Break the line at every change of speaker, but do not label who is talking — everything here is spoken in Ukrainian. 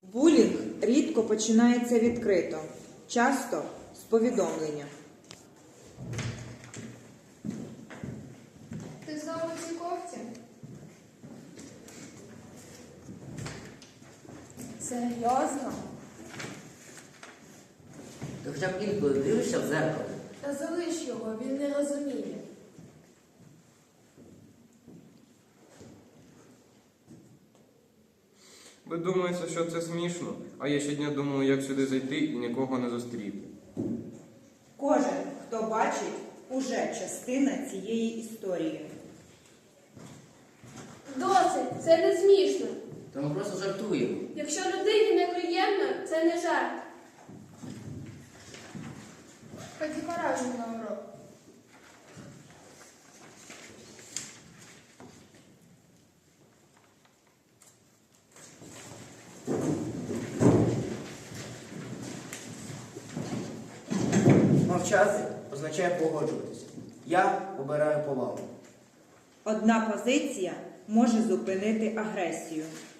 Булінг рідко починається відкрито, часто з повідомлення.
Ти знову в цій кофті? Серйозно?
Ти хоча б інколи дивишся в зеркало?
Та залиш його, він не розуміє.
Ви думаєте, що це смішно, а я щодня думаю, як сюди зайти і нікого не зустріти.
Кожен, хто бачить, уже частина цієї історії.
Досить, це не смішно.
Та ми просто жартуємо.
Якщо людині неприємно, це не жарт.
Ході поражу на урок.
Мовчати означає погоджуватися. Я обираю повагу.
Одна позиція може зупинити агресію.